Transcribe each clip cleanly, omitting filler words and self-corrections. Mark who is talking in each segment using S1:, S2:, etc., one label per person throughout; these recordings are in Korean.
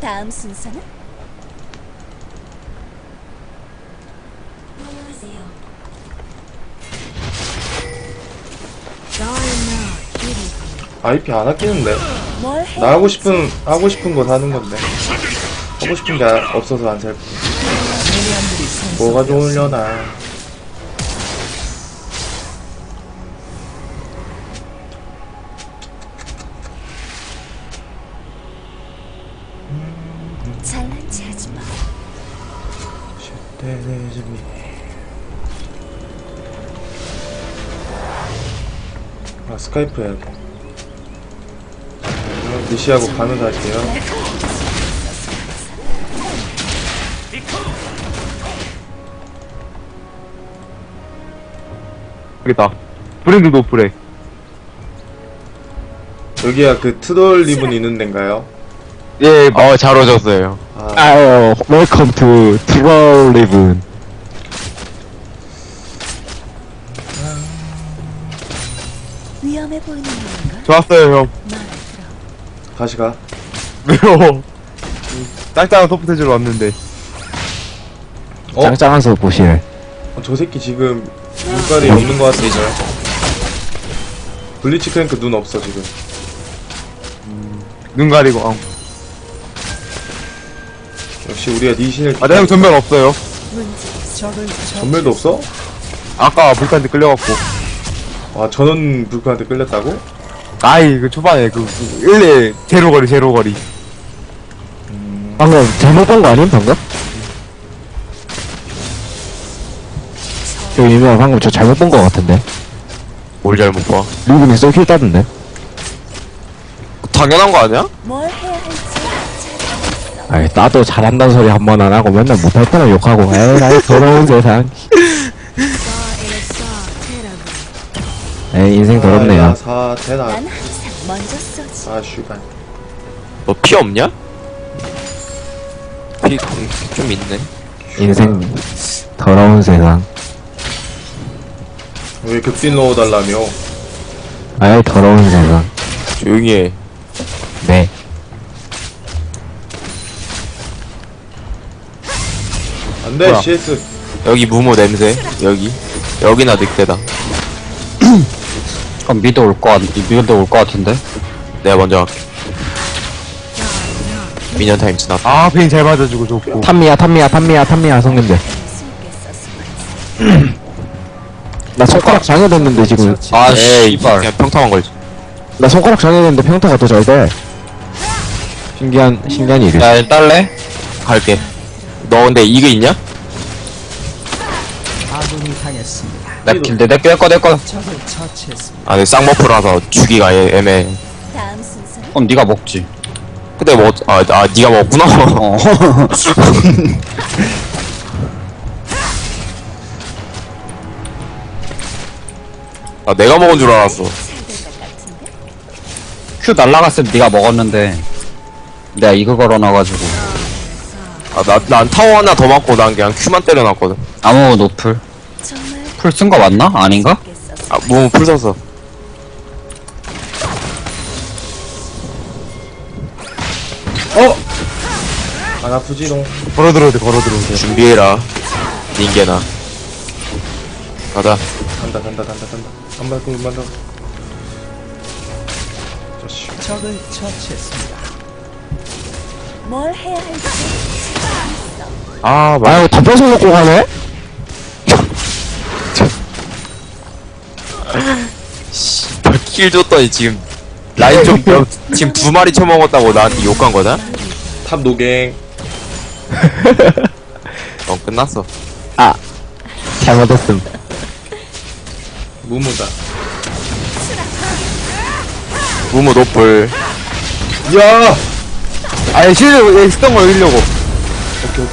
S1: 다음 순서는?
S2: IP 안 아끼는데.
S1: 뭘 해?
S2: 나 하고 싶은 거 사는 건데. 하고 싶은 게 없어서 안 살 뿐. 뭐가 좋으려나.
S1: 잘난 체 하지 마.
S2: 아, 스카이프 해야 돼. 니시하고 가면서 할게요.
S3: 여기다. 브랜드 노프래.
S2: 여기가 그 트롤 리븐 있는 데인가요?
S3: 예, 잘 오셨어요.
S2: 아,
S3: 아유, 웰컴 투 트롤 리븐.
S1: 위험해 보이는 건가?
S3: 좋았어요, 형.
S1: 마음에 들어.
S2: 다시 가.
S3: 왜요? 짱짱한 소프트제로 왔는데.
S2: 어?
S4: 짱짱한 소 보실.
S2: 저 새끼 지금 눈깔이 없는 것 같은데. 블리치 크랭크 눈 없어 지금.
S3: 눈 가리고,
S2: 역시 우리가 니신을
S3: 아, 내 형 전면 없어요.
S2: 전멸도 없어?
S3: 아까 불칸한테 끌려갖고.
S2: 와, 전원 불크한테 끌렸다고?
S3: 아이, 그 초반에 일레 제로 거리.
S4: 방금 잘못 본 거 아님 방금? 저 유명 방금 저 잘못 본 거 같은데.
S3: 뭘 잘못 봐?
S4: 리븐이 쏠킬 따던데.
S3: 당연한 거 아니야?
S1: 뭘 해야 할지 잘
S4: 아이 나도 잘한다는 소리 한 번 안 하고 맨날 못할 때만 욕하고. 에이 나이 더러운 세상. 에이 인생 더럽네요.
S2: 아, 사태나.
S1: 난 항상 먼저 쏘지.
S2: 아, 슈발.
S5: 너 피 없냐? 피 좀 있네.
S4: 인생 더러운 세상.
S2: 왜 급진 넣어달라며?
S4: 아이 더러운 세상.
S5: 조용히 해.
S4: 네.
S2: 안 돼,
S3: 뭐야?
S2: CS.
S5: 여기 무모 냄새. 여기나 늑대다.
S6: 그럼 미드 올 것 같은데?
S5: 내가 먼저 할게. 미니언 타임 지났다.
S3: 아, 베인 잘 맞아주고 좋고.
S4: 탐미야 성님들.
S1: 숨게 썼으면
S4: 나 손가락 장애됐는데 지금.
S5: 아,
S6: 에이,
S5: 씨발. 그냥 평타만 걸지.
S4: 나 손가락 장애됐는데 평타가 더 잘 돼. 신기한 일이.
S5: 야, 딸래? 갈게. 너 근데 이거 있냐?
S6: 내 거.
S5: 아, 내 쌍머프라서 주기가 애매해.
S1: 다음 순서는?
S6: 그럼 네가 먹지.
S5: 근데 뭐, 니가 먹었구나.
S6: 어.
S5: 아, 내가 먹은 줄 알았어.
S1: 잘될것 같은데?
S6: 큐 날라갔으면 네가 먹었는데 내가 이거 걸어놔가지고
S5: 아, 난 타워 하나 더 맞고 난 그냥 큐만 때려놨거든.
S6: 아무 노플
S1: 정말
S6: 풀 쓴 거 맞나? 아닌가?
S1: 숨게 썼으면
S5: 아, 무모 풀 섰어.
S2: 안 아프지롱.
S3: 걸어 들어오대.
S5: 준비해라. 닌게나. 가자.
S2: 간다. 한발 꿀만 더. 자식.
S1: 뭘 해야 할지
S3: 아,
S4: 아유 다 뺏어 먹고 가네?
S5: 킬 줬더니 지금 라인 좀 지금 2마리 쳐먹었다고 나한테 욕한 거다?
S2: 탑 노갱.
S5: 넌 끝났어.
S4: 잘못했음.
S2: 무무다.
S5: 무모 노플.
S2: 야!
S3: 아니, 실을 쓰던 걸 이기려고.
S2: 오케이.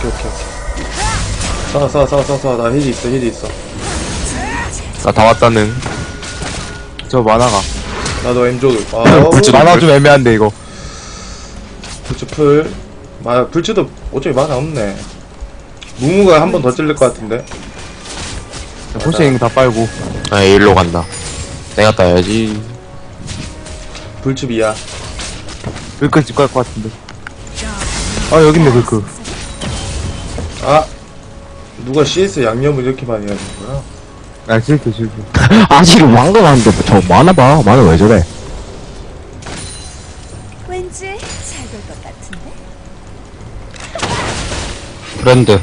S2: 쏴. 나 힐이 있어.
S5: 나 다 왔다는.
S3: 저 만화가.
S2: 나도 M조드.
S3: 만화 좀 애매한데, 이거.
S2: 불츠 풀. 불츠도 어차피 만화 없네. 무무가 한 번 더 찔릴 것 같은데.
S3: 포션 있는 거 다 빨고.
S5: 아, 일로 간다. 내가 따야지.
S2: 불츠 비야.
S3: 여기까지 집 갈 것 같은데. 아 여기 있네 그
S2: 아 누가 CS 양념을 이렇게 많이 하는 거야?
S3: 아 실패
S4: 아직 왕건하는데 저 많아봐. 많아 왜 저래?
S1: 왠지 잘 될 것 같은데?
S6: 브랜드.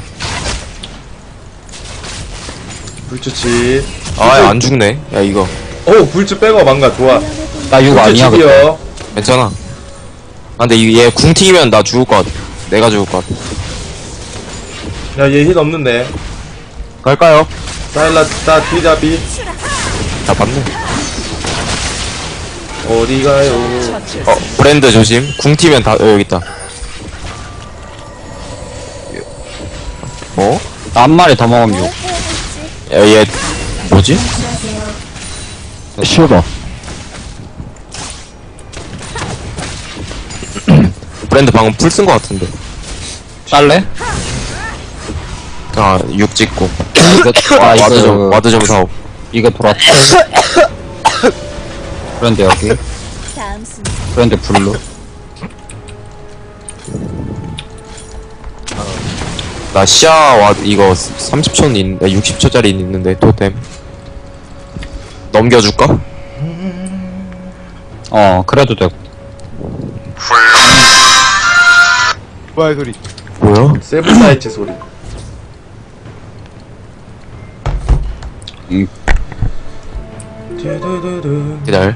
S2: 불치치.
S5: 아안 죽네. 야 이거
S2: 오 불치 빼고 망가 좋아.
S6: 나 이거 아니야, 근데.
S2: 불치치기요.
S5: 괜찮아. 아 근데 얘 궁 튀기면 나 죽을 것 같아. 내가 죽을 것 같아.
S2: 야얘 힐 없는데.
S3: 갈까요?
S2: 사일라타 디자비
S5: 잡았네.
S2: 어디 가요?
S5: 브랜드 조심. 궁 튀면 다 여기 있다. 어?
S6: 나 한 마리 더 먹으면
S1: 뭘
S6: 6.
S1: 해야 할지
S5: 야, 얘 뭐지?
S4: 실버.
S5: 브랜드 방금 풀 쓴 것 같은데.
S6: 딸래?
S5: 아, 6 찍고.
S6: 와,
S5: 와드 좀 사오.
S6: 이거 돌았다. 브랜드 여기.
S1: 다음 순서
S6: 브랜드 블루.
S5: 나 시야 이거 30초는 60초짜리 있는데, 토템. 넘겨줄까?
S6: 그래도 되고.
S3: 뭐야 소리
S5: 뭐야?
S2: 세븐사이츠 소리.
S6: 음.
S2: 두두두두.
S5: 기다려.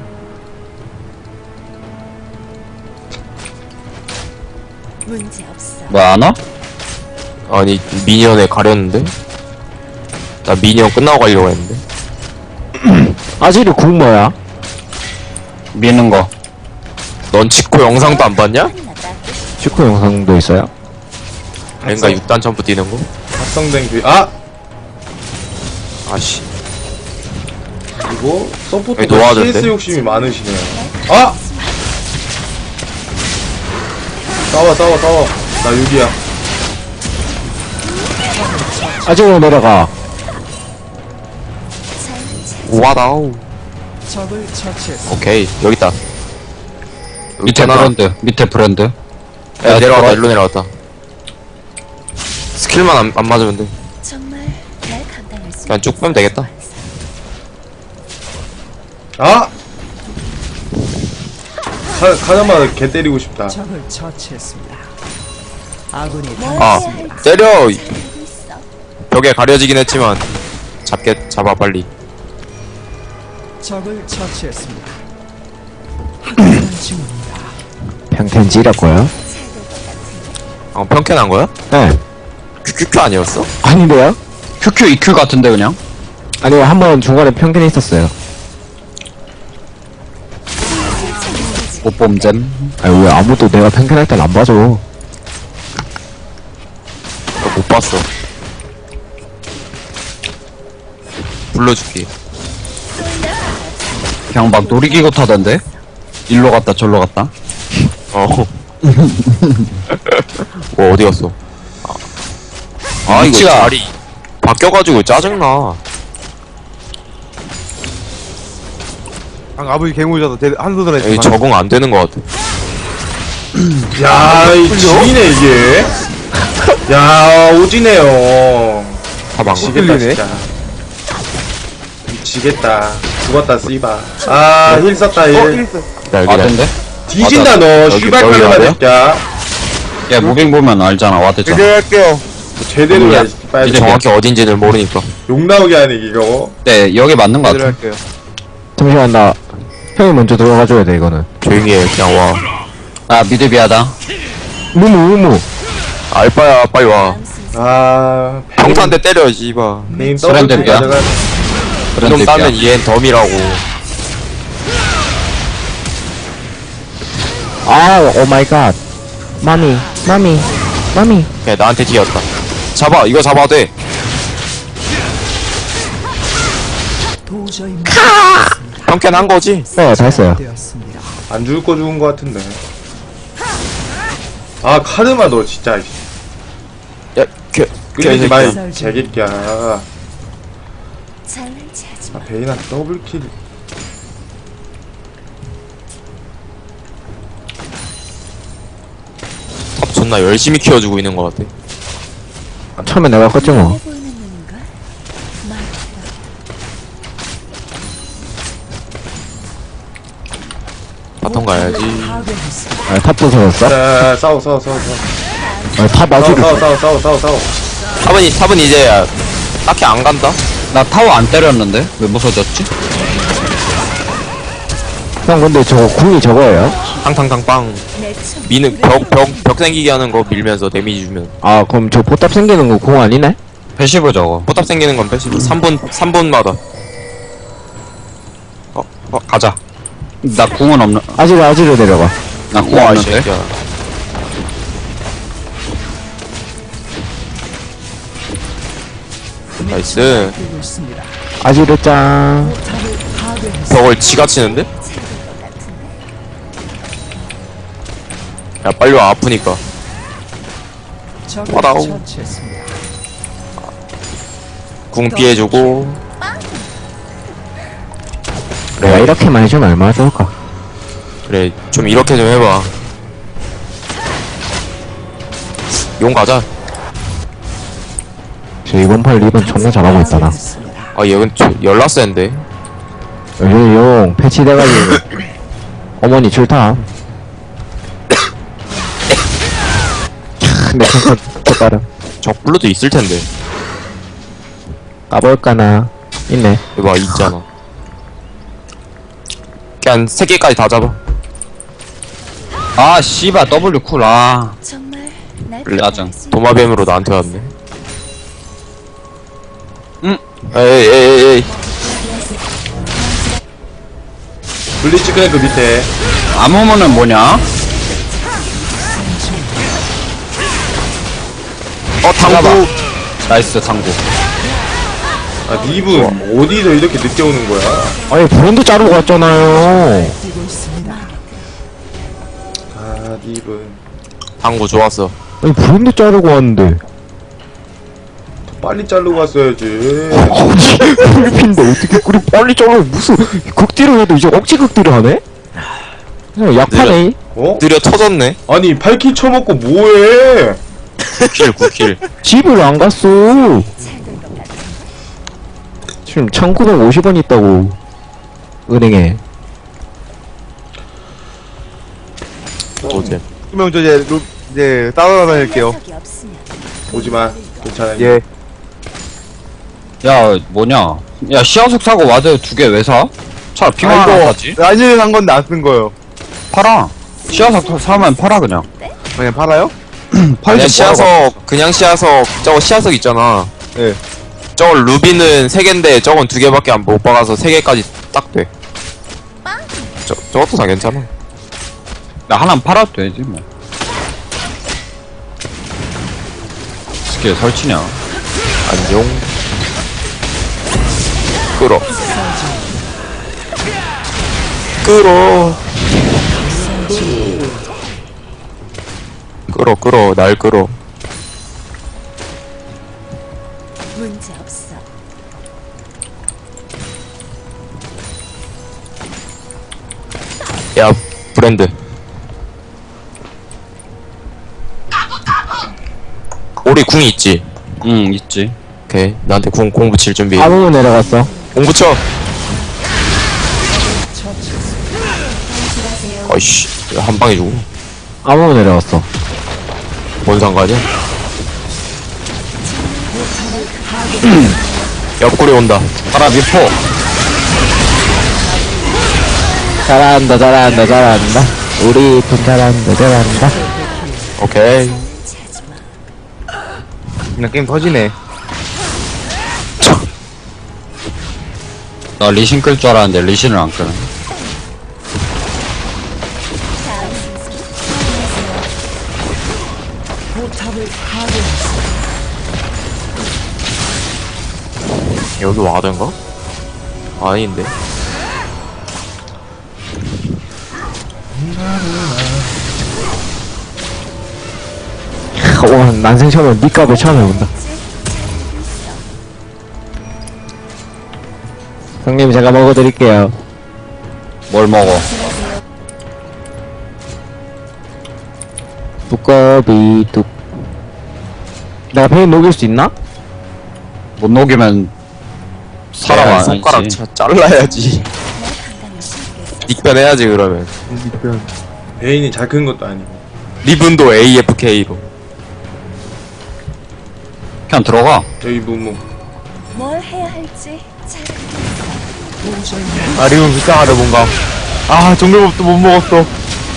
S1: 문제 없어.
S6: 뭐, 안 와?
S5: 아니, 미니언에 가렸는데? 나 미니언 끝나고 가려고 했는데.
S4: 아직이 궁 뭐야?
S6: 미는 거.
S5: 넌 직코 영상도 안 봤냐?
S1: 끝나다.
S4: 슈크 영상도 있어요?
S5: 그러니까 6단 점프 뛰는 거?
S2: 합성된 그 아!
S5: 아씨.
S2: 이거 서포터
S5: 여기 놓아야
S2: CS
S5: 되는데?
S2: 욕심이 많으시네요. 아! 싸워. 나 6이야.
S4: 아직으로 내려가.
S5: 와다우. 오케이, 여기 있다. 여기
S6: 밑에
S5: 있잖아.
S6: 브랜드. 밑에 브랜드.
S5: 야, 내려왔다,
S6: 돌아-
S5: 일로 내려왔다. 스킬만 안 맞으면 돼.
S1: 정말 날 감당할 수
S5: 그냥 쭉 빼면 되겠다.
S2: 아! 카자마 개 때리고 싶다.
S7: 적을 처치했습니다. 아군이
S1: 뭘
S5: 아,
S1: 해야 할지
S5: 때려!
S1: 잘 알고 있어.
S5: 벽에 가려지긴 했지만, 잡아, 빨리.
S7: 적을 처치했습니다. 확실한 징후입니다.
S4: 평텐지라고요?
S1: 잘 될 것 같은데?
S5: 아, 평캔한 거야?
S4: 네.
S5: 큐큐큐 아니었어?
S4: 아닌데요?
S6: QQ, EQ 같은데, 그냥?
S4: 아니요, 한 번 중간에 평균이 있었어요.
S6: 못봄잼.
S4: 아니, 왜 아무도 내가 평균할 땐 안 봐줘.
S5: 나 못 봤어. 불러줄게.
S6: 그냥 막 놀이기구 타던데? 일로 갔다, 절로 갔다.
S5: 어. 뭐, 어디 갔어? 아, 이거
S6: 위치가-
S5: 자리 바뀌어가지고 짜증나.
S3: 아버지 개무져서 한 손으로
S5: 여기
S3: 했지만
S5: 적응 안 되는 것 같아.
S2: 야, 이 지리네 이게. 야, 오지네요.
S5: 다 망가.
S2: 지겠다
S3: 끌리네.
S2: 진짜. 지겠다. 죽었다 씨바. 아, 힐 썼다 힐.
S6: 와드인데?
S2: 뒤진다 너.
S5: 여기,
S2: 슈발
S5: 여기
S2: 카자마
S5: 와드야?
S2: 새끼야.
S6: 야, 무빙 보면 알잖아, 와드잖아.
S3: 제대로 할게요
S2: 제대로 해. 빨리
S6: 이제
S5: 정확히 어딘지를 모르니까.
S2: 욕 나오게 하네 이거.
S6: 네, 여기 맞는 거
S3: 제대로
S6: 같아.
S3: 할게요
S4: 잠시만, 나 형이 먼저 들어가줘야 돼, 이거는.
S5: 조용히 해, 그냥 와.
S6: 아, 미드비하다.
S4: 무무.
S5: 알바야, 빨리 와.
S1: 다음 순서
S2: 아,
S5: 평탄대 때려, 씨바.
S2: 네임
S6: 브랜드야?
S2: 더블 가져가.
S6: 브랜드
S5: 이놈 따면
S6: 비야.
S5: 얘는 덤이라고.
S4: 아, 오 마이 갓. 마미.
S5: 그냥 나한테 튀었다. 잡아, 이거 잡아도 돼.
S7: 도저히
S5: 평캔 한 거지?
S4: 네, 다 했어요.
S7: 되었습니다.
S2: 안 죽을 거 죽은 거 같은데. 아, 카르마 너 진짜.
S5: 야,
S2: 끌리지 마,
S7: 새끼야.
S2: 이 개새끼야.
S1: 장난치 하지
S2: 아,
S1: 마.
S2: 베이나 더블킬.
S5: 탑 존나 열심히 키워주고 있는 것 같아.
S4: 처음에 내가 컸지 뭐.
S1: 해 보이는 눈인가? 말해라.
S5: 바텀 가야지.
S7: 파괴했습니다.
S4: 아, 탑도 세웠어?
S2: 자, 싸워.
S4: 아, 탑 아지를.
S2: 싸워.
S5: 탑은 이제 딱히 안 간다?
S6: 나 타워 안 때렸는데? 왜 무서졌지?
S4: 형, 근데 저거 궁이 저거예요?
S5: 탕탕탕빵.
S1: 내 춤.
S5: 미는 벽 생기게 하는 거 밀면서 데미지 주면.
S4: 아, 그럼 저 포탑 생기는 거 궁 아니네?
S6: 패시브 저거.
S5: 포탑 생기는 건 패시브. 3분마다.
S6: 가자. 나 궁은 없는,
S4: 아지를 내려가.
S6: 나 궁
S5: 와, 이
S6: 없는데?
S5: 새끼야. 나이스.
S7: 되고 있습니다.
S4: 아지를 짱.
S7: 탑을 파괴했습니다.
S5: 벽을 지가 치는데?
S1: 찾을 것 같은데.
S5: 야, 빨리 와, 아프니까.
S7: 적을
S5: 와다오.
S7: 처치했습니다.
S5: 궁 피해주고.
S4: 내가 이렇게만 해주면 얼마나 좋을까?
S5: 그래, 좀 이렇게 좀 해봐. 용 가자.
S4: 저 이번 판 리본 존나 잘하고 있다, 나.
S7: 파괴했습니다.
S5: 아, 얘는 열라 센데.
S4: 요즘 용 패치돼가지고. 어머니 출타. 근데 평타 또 빠름.
S5: 적블루도 있을 텐데.
S4: 까볼까나. 있네.
S5: 이거 있잖아. 그냥 3개까지 다 잡아.
S6: 아, 씨발, W 쿨, 아.
S1: 정말 날
S6: 짜증.
S1: 받아줄 수
S5: 도마뱀으로 나한테 왔네.
S6: 응.
S5: 에이.
S2: 블리츠 그냥 그 밑에.
S6: 아무모는 뭐냐?
S5: 당구.
S6: 나이스, 당구.
S2: 아, 니분 어디서 이렇게 늦게 오는 거야?
S4: 아니, 브론드 자르고 갔잖아요.
S7: 뛰고 있습니다.
S2: 아, 니분
S5: 당구 좋았어.
S4: 아니, 브론드 자르고 왔는데.
S2: 더 빨리 자르고 갔어야지.
S4: 아니, 필리핀인데 어떻게 그리 빨리 잘라. 무슨 극딜을 해도 이제 억지 극딜을 하네? 그냥 약하네.
S2: 어?
S5: 느려 터졌네.
S2: 아니 8킬 쳐먹고 뭐해?
S5: 9킬.
S4: 집을 안 갔어.
S1: 잘될 것 같은데.
S4: 지금 1950원 있다고. 은행에.
S5: 어제.
S3: 형, 저 이제 따라다닐게요.
S1: 적이 없으면
S2: 오지마. 괜찮아.
S3: 예.
S6: 야, 뭐냐? 야, 시야석 사고 와드 2개 왜 사? 차라리 핑 하나 사지?
S3: 라인을 산 건데 안 쓴 거예요.
S6: 팔아. 시야석 사면 팔아, 그냥.
S3: 그냥 팔아요?
S5: 아니야, 시야석, 그냥 시야석, 저거 시야석 있잖아.
S3: 예.
S5: 저거 루비는 3개인데 저건 2개밖에 못 박아서 3개까지 딱 돼. 저것도 다 괜찮아.
S6: 나 하나는 팔아도 되지, 뭐. 스킬 설치냐?
S5: 안녕. 끌어. 날 끌어.
S1: 문제 없어.
S5: 야, 브랜드. 우리 궁이 있지?
S6: 응, 있지.
S5: 오케이. 나한테 공 붙일 준비.
S4: 아무무 내려갔어.
S5: 공 붙여! 어이씨. 한 방에 주고.
S4: 아무무 내려갔어.
S5: 뭔 상관이야? 옆구리 온다.
S6: 팔아, 미포.
S4: 잘한다. 우리 팀 잘한다.
S5: 오케이.
S1: 찾지 마.
S3: 그냥 게임 터지네.
S6: 나 리신 끌 줄 알았는데 리신을 안 끄네.
S7: 포탑을 파괴했습니다.
S5: 여기 와든가? 아닌데.
S4: 와, 난생 처음에 니 값을 처음 해본다. 형님, 제가 먹어드릴게요.
S6: 뭘 먹어?
S4: 두꺼비 뚝. 내가 베인 녹일 수 있나?
S6: 못 녹이면 사람
S5: 야,
S6: 아니지.
S5: 손가락 잘라야지.
S1: 날 강간을 시키겠어.
S5: 닉변 해야지 그러면.
S2: 베인이 잘 큰 것도 아니고.
S5: 리븐도 AFK로.
S6: 그냥 들어가.
S2: 여기 무무.
S1: 뭘 해야 할지 잘 알겠어.
S7: 도저히
S3: 아 리본 불쌍하다 뭔가. 아 정글밥도 못 먹었어.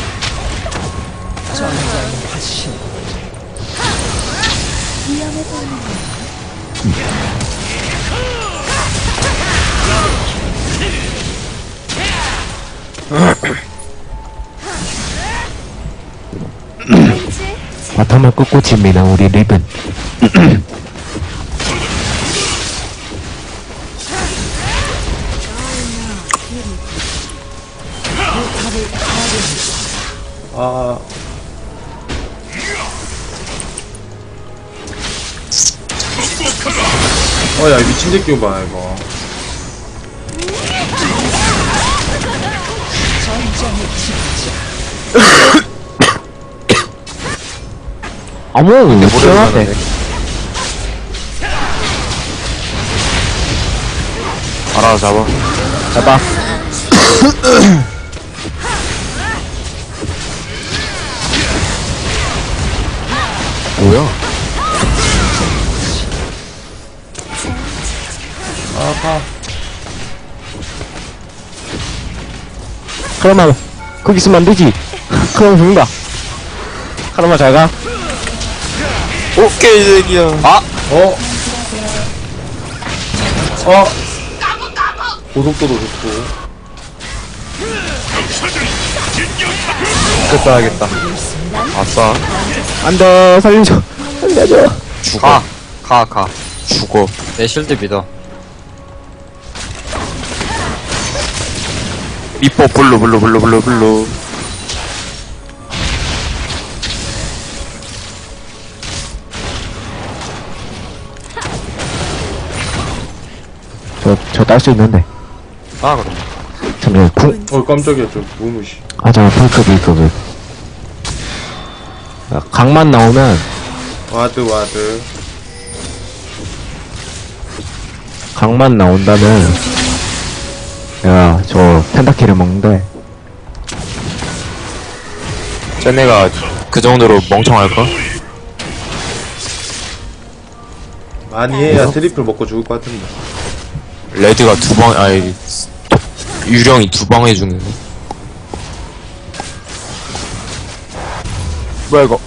S7: 전장의 화신.
S1: 위험해 보이는 왠지
S4: 바텀을 끄고 칩니다 우리 리븐.
S2: 아. 야, 미친 새끼 봐, 이거.
S4: 어머 시원하네.
S5: 알아서 잡아.
S4: 잡아. 뭐야?
S2: 아파.
S4: 카르마 거기 있으면 안 되지. 그럼 죽는다. 카르마 잘 가.
S5: 오케이 새끼야.
S2: 어? 고속도로 좋고.
S3: 됐다 하겠다.
S5: 아싸.
S4: 안돼 살려줘. 살려줘.
S5: 죽어.
S6: 가.
S5: 죽어.
S6: 내 실드 믿어.
S5: 미포 블루.
S4: 저 딸 수 있는데.
S5: 아 그럼.
S4: 잠시만 궁.
S2: 깜짝이야, 저 무무시.
S4: 아 잠깐 풀급. 강만 나오면
S2: 와드.
S4: 강만 나온다면 야 저 펜타키를 먹는데.
S5: 쟤네가 그 정도로 멍청할까?
S2: 많이 해야 트리플 먹고 죽을 것 같은데.
S5: 레드가 두 방, 아니, 유령이 두 방 해주네.
S3: 뭐야 이거?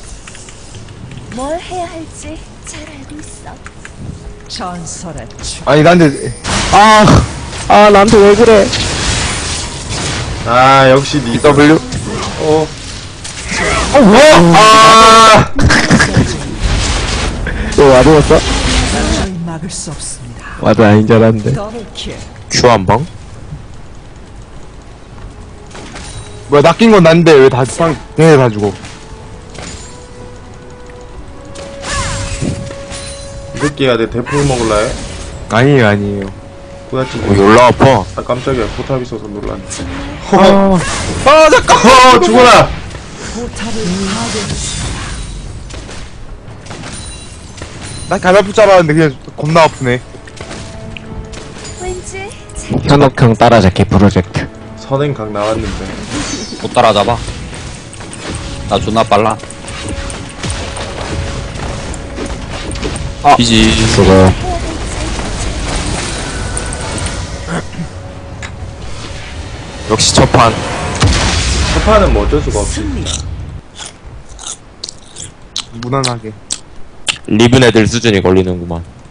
S1: 뭘 해야 할지 잘 알고 있어.
S7: 전설의 추.
S3: 아니 난데
S4: 아 나한테 왜 그래?
S2: 아, 역시 니.
S5: W?
S4: 너 와드였어?
S7: 도저히 막을 수 없습니다.
S4: 와드 아닌 줄 알았는데.
S7: 더블킬.
S5: Q 한 방?
S3: 뭐야 낚인 건 난데 왜 다 얘네 다 죽어?
S2: 이 새끼야, 내 대포를 먹을라 해?
S3: 아니에요.
S2: 뿌옇지.
S5: 열나 아파.
S2: 아, 깜짝이야. 포탑 있어서 놀랐네.
S3: 잠깐.
S2: 죽어라!
S7: 포탑을 파괴했습니다.
S3: 나 가다풀 줄 알았는데 그냥 겁나 아프네.
S1: 왠지
S4: 현옥형 따라잡기 프로젝트.
S2: 선행각 나왔는데.
S6: 못 따라잡아. 나 존나 빨라.
S5: 비지.
S4: 그거
S5: 역시 첫판.
S2: 첫판은 뭐 어쩔 수가 없지.
S7: 승리.
S3: 무난하게.
S5: 리븐 애들 수준이 걸리는구만.